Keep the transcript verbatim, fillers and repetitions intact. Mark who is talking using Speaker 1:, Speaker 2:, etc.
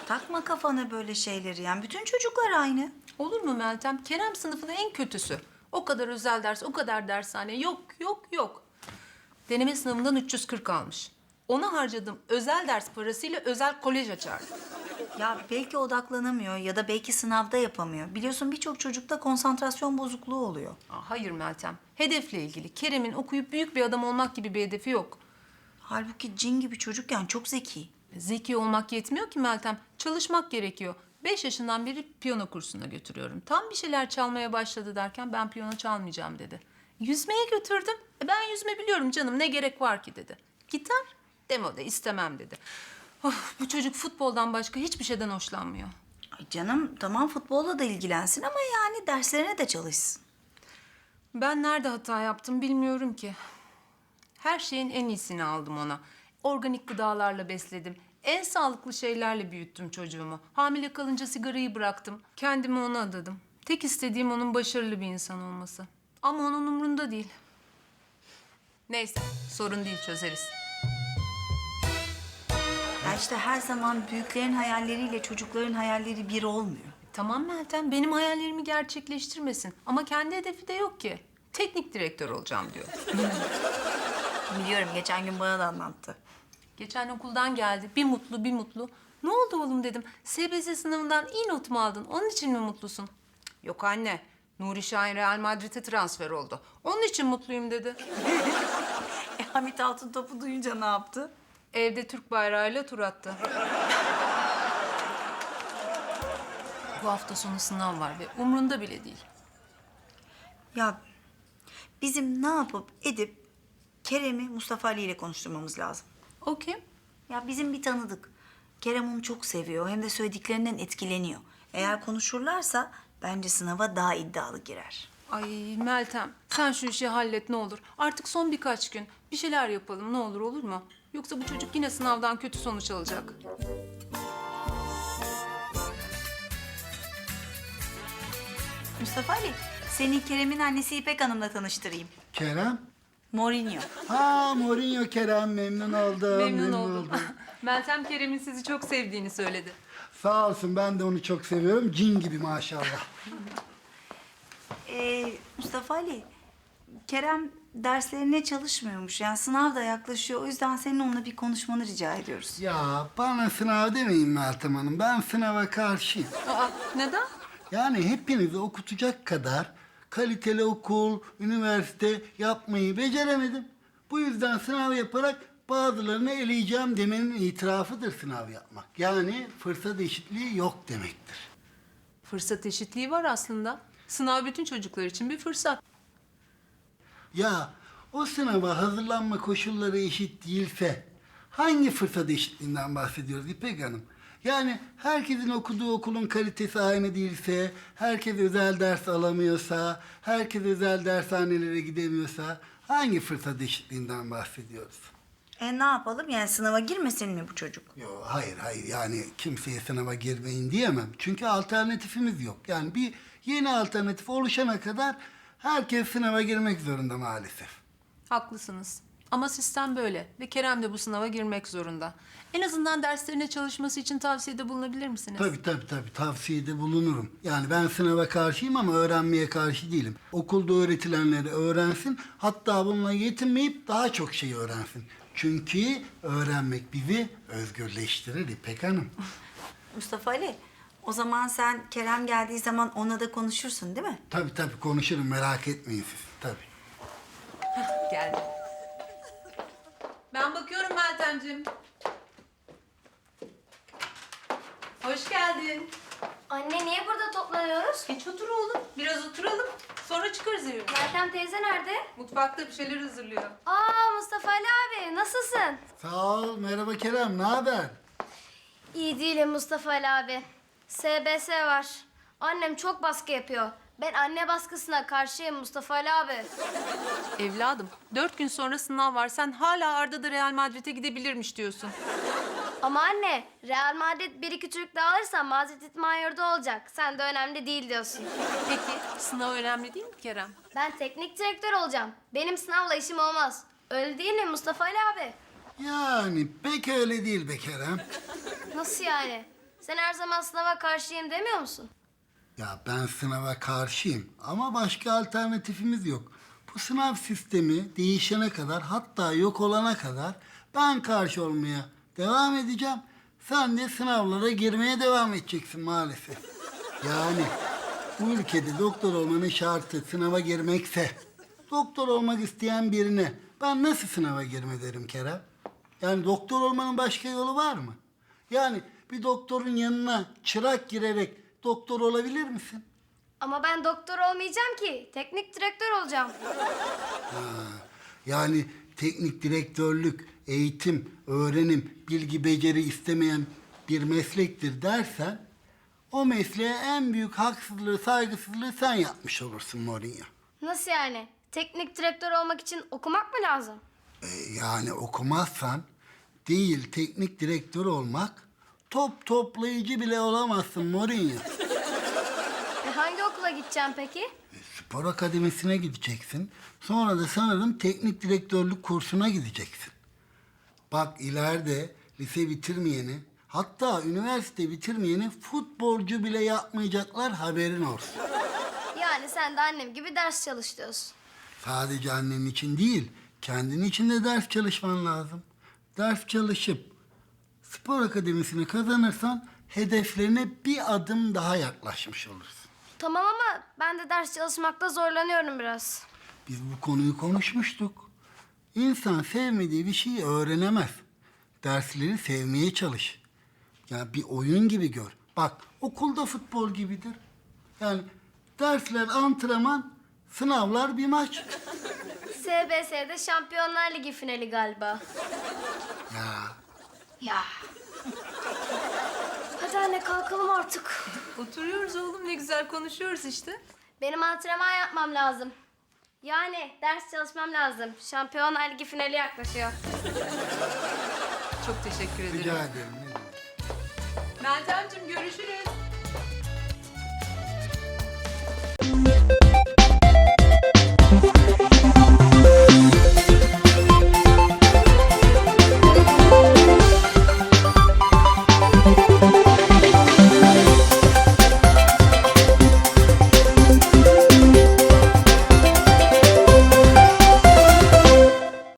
Speaker 1: takma kafana böyle şeyleri yani. Bütün çocuklar aynı.
Speaker 2: Olur mu Meltem? Kerem sınıfının en kötüsü. O kadar özel ders, o kadar dershane. Yok, yok, yok. Deneme sınavından üç yüz kırk almış. Ona harcadığım özel ders parasıyla özel kolej açardı.
Speaker 1: Ya belki odaklanamıyor ya da belki sınavda yapamıyor. Biliyorsun birçok çocukta konsantrasyon bozukluğu oluyor.
Speaker 2: Aa, hayır Meltem. Hedefle ilgili. Kerem'in okuyup büyük bir adam olmak gibi bir hedefi yok.
Speaker 1: Halbuki cin gibi çocukken çok zeki.
Speaker 2: Zeki olmak yetmiyor ki Meltem. Çalışmak gerekiyor. Beş yaşından beri piyano kursuna götürüyorum. Tam bir şeyler çalmaya başladı derken ben piyano çalmayacağım dedi. Yüzmeye götürdüm. E, ben yüzme biliyorum canım, ne gerek var ki dedi. Gitar, demode istemem dedi. Of, bu çocuk futboldan başka hiçbir şeyden hoşlanmıyor.
Speaker 1: Ay canım tamam futbolla da ilgilensin ama yani derslerine de çalışsın.
Speaker 2: Ben nerede hata yaptım bilmiyorum ki. Her şeyin en iyisini aldım ona. Organik gıdalarla besledim. En sağlıklı şeylerle büyüttüm çocuğumu. Hamile kalınca sigarayı bıraktım. Kendimi ona adadım. Tek istediğim onun başarılı bir insan olması. Ama onun umrunda değil. Neyse, sorun değil, çözeriz.
Speaker 1: Ya işte her zaman büyüklerin hayalleriyle çocukların hayalleri bir olmuyor.
Speaker 2: Tamam Meltem, benim hayallerimi gerçekleştirmesin. Ama kendi hedefi de yok ki. Teknik direktör olacağım diyor.
Speaker 1: Biliyorum geçen gün bana da anlattı.
Speaker 2: Geçen okuldan geldi. Bir mutlu, bir mutlu. Ne oldu oğlum dedim. S B S sınavından iyi not mu aldın? Onun için mi mutlusun? Yok anne. Nuri Şahin Real Madrid'e transfer oldu. Onun için mutluyum dedi.
Speaker 1: E, Hamit Altıntop'u duyunca ne yaptı?
Speaker 2: Evde Türk bayrağıyla tur attı. Bu hafta sonu sınav var ve umrunda bile değil.
Speaker 1: Ya bizim ne yapıp edip Kerem'i Mustafa Ali ile konuşturmamız lazım.
Speaker 2: O kim?
Speaker 1: Ya bizim bir tanıdık. Kerem onu çok seviyor hem de söylediklerinden etkileniyor. Eğer konuşurlarsa bence sınava daha iddialı girer.
Speaker 2: Ay Meltem, sen şu işi hallet ne olur. Artık son birkaç gün bir şeyler yapalım ne olur, olur mu? Yoksa bu çocuk yine sınavdan kötü sonuç alacak.
Speaker 1: Mustafa Ali, seni Kerem'in annesi İpek Hanım'la tanıştırayım.
Speaker 3: Kerem?
Speaker 1: Mourinho.
Speaker 3: Ha Mourinho Kerem, memnun oldum.
Speaker 2: Memnun oldum. Meltem Kerem'in sizi çok sevdiğini söyledi.
Speaker 3: Sağ olsun, ben de onu çok seviyorum. Cin gibi maşallah.
Speaker 1: Ee, Mustafa Ali, Kerem derslerine çalışmıyormuş. Yani sınav da yaklaşıyor. O yüzden senin onunla bir konuşmanı rica ediyoruz.
Speaker 3: Ya bana sınav demeyin Meltem Hanım. Ben sınava karşıyım.
Speaker 2: Aa, neden?
Speaker 3: Yani hepinizi okutacak kadar kaliteli okul, üniversite yapmayı beceremedim. Bu yüzden sınav yaparak bazılarını eleyeceğim demenin itirafıdır sınav yapmak. Yani fırsat eşitliği yok demektir.
Speaker 2: Fırsat eşitliği var aslında. Sınav bütün çocuklar için bir fırsat.
Speaker 3: Ya o sınava hazırlanma koşulları eşit değilse hangi fırsat eşitliğinden bahsediyoruz İpek Hanım? Yani herkesin okuduğu okulun kalitesi aynı değilse, herkes özel ders alamıyorsa, herkes özel dershanelere gidemiyorsa hangi fırsat eşitliğinden bahsediyoruz?
Speaker 1: E ne yapalım? Yani sınava girmesin mi bu çocuk?
Speaker 3: Yok hayır hayır yani kimseye sınava girmeyin diyemem. Çünkü alternatifimiz yok. Yani bir yeni alternatif oluşana kadar herkes sınava girmek zorunda maalesef.
Speaker 2: Haklısınız. Ama sistem böyle ve Kerem de bu sınava girmek zorunda. En azından derslerine çalışması için tavsiyede bulunabilir misiniz?
Speaker 3: Tabii tabii tabii tavsiyede bulunurum. Yani ben sınava karşıyım ama öğrenmeye karşı değilim. Okulda öğretilenleri öğrensin, hatta bununla yetinmeyip daha çok şey öğrensin. Çünkü öğrenmek bizi özgürleştirir İpek Hanım.
Speaker 1: Mustafa Ali, o zaman sen Kerem geldiği zaman ona da konuşursun değil mi?
Speaker 3: Tabii tabii konuşurum, merak etmeyin siz. Tabii.
Speaker 2: Geldi. Ben bakıyorum Meltemciğim. Hoş geldin.
Speaker 4: Anne niye burada toplanıyoruz?
Speaker 2: Geç otur oğlum. Biraz oturalım. Sonra çıkarız evimize.
Speaker 4: Meltem teyze nerede?
Speaker 2: Mutfakta bir şeyler hazırlıyor.
Speaker 4: Aa Mustafa Ali abi nasılsın?
Speaker 3: Sağ ol, merhaba Kerem, ne haber?
Speaker 4: İyi değilim Mustafa Ali abi. S B S var. Annem çok baskı yapıyor. Ben anne baskısına karşıyım Mustafa Ali abi.
Speaker 2: Evladım, dört gün sonra sınav var. Sen hala Arda da Real Madrid'e gidebilirmiş diyorsun.
Speaker 4: Ama anne Real Madrid bir iki Türk daha alırsa Madrid İtman olacak. Sen de önemli değil diyorsun.
Speaker 2: Peki, sınav önemli değil mi Kerem?
Speaker 4: Ben teknik direktör olacağım. Benim sınavla işim olmaz. Öyle değil mi Mustafa Ali abi?
Speaker 3: Yani pek öyle değil be Kerem.
Speaker 4: Nasıl yani? Sen her zaman sınava karşıyım demiyor musun?
Speaker 3: Ya ben sınava karşıyım ama başka alternatifimiz yok. Bu sınav sistemi değişene kadar, hatta yok olana kadar ben karşı olmaya devam edeceğim. Sen de sınavlara girmeye devam edeceksin maalesef. Yani bu ülkede doktor olmanın şartı sınava girmekse, doktor olmak isteyen birine ben nasıl sınava girme derim Kerem? Yani doktor olmanın başka yolu var mı? Yani bir doktorun yanına çırak girerek doktor olabilir misin?
Speaker 4: Ama ben doktor olmayacağım ki. Teknik direktör olacağım.
Speaker 3: Yani teknik direktörlük, eğitim, öğrenim, bilgi, beceri istemeyen bir meslektir dersen, o mesleğe en büyük haksızlığı, saygısızlığı sen yapmış olursun Mourinho.
Speaker 4: Nasıl yani? Teknik direktör olmak için okumak mı lazım?
Speaker 3: E, yani okumazsan değil teknik direktör olmak, top toplayıcı bile olamazsın Mourinho.
Speaker 4: E hangi okula gideceğim peki?
Speaker 3: Spor akademisine gideceksin. Sonra da sanırım teknik direktörlük kursuna gideceksin. Bak ileride lise bitirmeyeni, hatta üniversite bitirmeyeni futbolcu bile yapmayacaklar, haberin olsun.
Speaker 4: Yani sen de annem gibi ders çalış diyorsun.
Speaker 3: Sadece annen için değil, kendin için de ders çalışman lazım. Ders çalışıp spor akademisini kazanırsan hedeflerine bir adım daha yaklaşmış olursun.
Speaker 4: Tamam ama ben de ders çalışmakta zorlanıyorum biraz.
Speaker 3: Biz bu konuyu konuşmuştuk. İnsan sevmediği bir şeyi öğrenemez. Dersleri sevmeye çalış. Yani bir oyun gibi gör. Bak okulda futbol gibidir. Yani dersler antrenman, sınavlar bir maç.
Speaker 4: S B S'de Şampiyonlar Ligi finali galiba.
Speaker 3: Ya
Speaker 4: Ya. Hadi anne kalkalım artık.
Speaker 2: Oturuyoruz oğlum, ne güzel konuşuyoruz işte.
Speaker 4: Benim antrenman yapmam lazım. Yani ders çalışmam lazım. Şampiyonlar Ligi finali yaklaşıyor.
Speaker 2: Çok teşekkür ederim.
Speaker 3: rica ederim. ne demek.
Speaker 2: Meltemciğim görüşürüz.